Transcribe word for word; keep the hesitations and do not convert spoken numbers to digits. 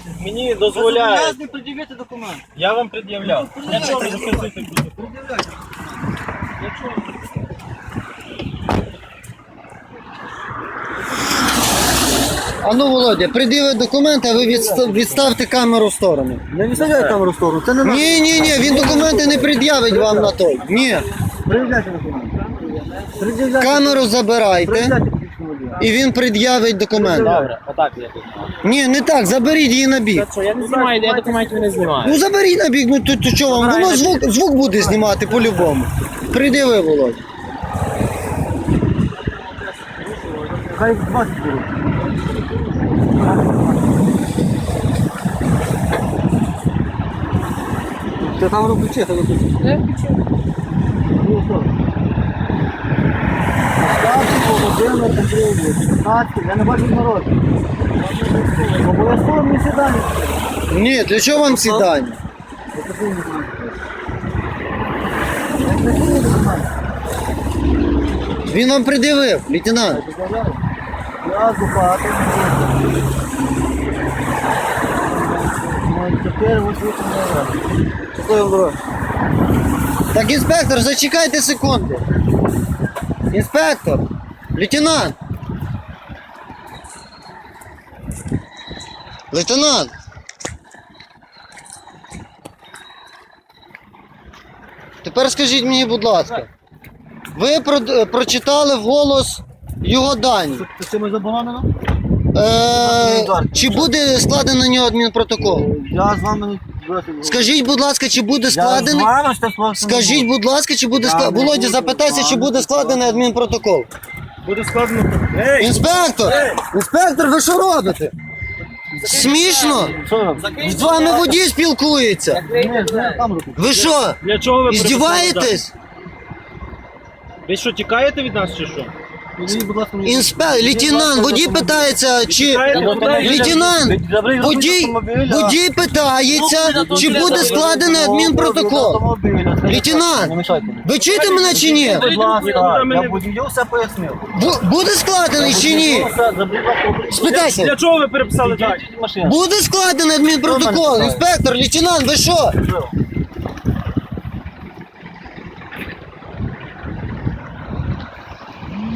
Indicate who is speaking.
Speaker 1: Мені дозволяють.
Speaker 2: не пред'явити документ.
Speaker 1: Я вам пред'являв. Для чого ви записуєте тут?
Speaker 2: Пред'являйте.
Speaker 1: Для чого?
Speaker 3: А ну, Володя, пред'яви документи, а ви відстав- відставте камеру в сторону.
Speaker 2: Не відставляй камеру в сторону, це не наш.
Speaker 3: Ні, ні, ні, він документи не пред'явить вам на той. Ні.
Speaker 2: Пред'являйте документ. Пред'являйте.
Speaker 3: Камеру забирайте,
Speaker 2: Пред'являйте посвідчення водія.
Speaker 3: і він пред'явить документи.
Speaker 1: Добре, отак я тут.
Speaker 3: Ні, не так, заберіть її на бік.
Speaker 1: Що, я не знімаю, я документів не знімаю.
Speaker 3: Ну заберіть на бік, ну то, то що вам? Воно звук, звук буде знімати по-любому. Пред'яви, Володя.
Speaker 2: Хай двадцять беруть. Ти там ключі, там ключі.
Speaker 4: Я включу.
Speaker 2: Ну, що? Остапів Володимир Андрійович, шістнадцять, я не бачу народу. Обов'язково мені сідання.
Speaker 3: Ні, для чого вам ці дані?
Speaker 2: Покажи мені документи. Покажи мені документи.
Speaker 3: Він вам пред'явив, лейтенант.
Speaker 2: Я адвокат. Чотири, ось вісім, Щасливо, дорога.
Speaker 3: Так, інспектор, зачекайте секунду. Інспектор, лейтенант. Лейтенант. Тепер скажіть мені, будь ласка, ви про- прочитали вголос його дані.
Speaker 2: Це чимось заборонено?
Speaker 3: Е, чи буде складено на нього адмінпротокол?
Speaker 2: Я з вами не...
Speaker 3: Скажіть, будь ласка, чи буде
Speaker 2: Я з
Speaker 3: складений?
Speaker 2: вами ще просто не
Speaker 3: Скажіть,
Speaker 2: буду.
Speaker 3: будь ласка, чи буде
Speaker 2: Я
Speaker 3: складений?
Speaker 2: не
Speaker 3: Володя,
Speaker 2: буду
Speaker 3: запитайся,
Speaker 2: з
Speaker 3: чи
Speaker 2: вами
Speaker 3: буде складений адмінпротокол.
Speaker 1: Буде складно. Ей!
Speaker 3: Інспектор! Інспектор, ви що робите? Смішно?
Speaker 2: Що ви робите?
Speaker 3: З вами водій спілкується.
Speaker 2: Ні, не камеру тут.
Speaker 3: Ви що?
Speaker 1: Для чого ви
Speaker 3: Іздіваєтесь?
Speaker 1: Ви що, тікаєте від нас чи що?
Speaker 2: Підійдіть, будь ласка, мені.
Speaker 3: Інспектор, лейтенант, водій питається, чи...
Speaker 1: Тікаєте куди?
Speaker 3: Лейтенант,
Speaker 2: Заберіть
Speaker 3: водій,
Speaker 2: автомобіля.
Speaker 3: водій питається, чи буде складений адмінпротокол.
Speaker 2: Автомобіля.
Speaker 3: Лейтенант,
Speaker 2: Не мішайте мені.
Speaker 3: ви чуєте мене чи ні?
Speaker 2: Будь ласка, я водію все пояснив.
Speaker 3: Бу- Буде складений чи ні?
Speaker 1: Для
Speaker 3: Спитайся,
Speaker 1: чого ви переписали так?
Speaker 2: Машина.
Speaker 3: буде складений адмінпротокол? Інспектор, лейтенант, ви що?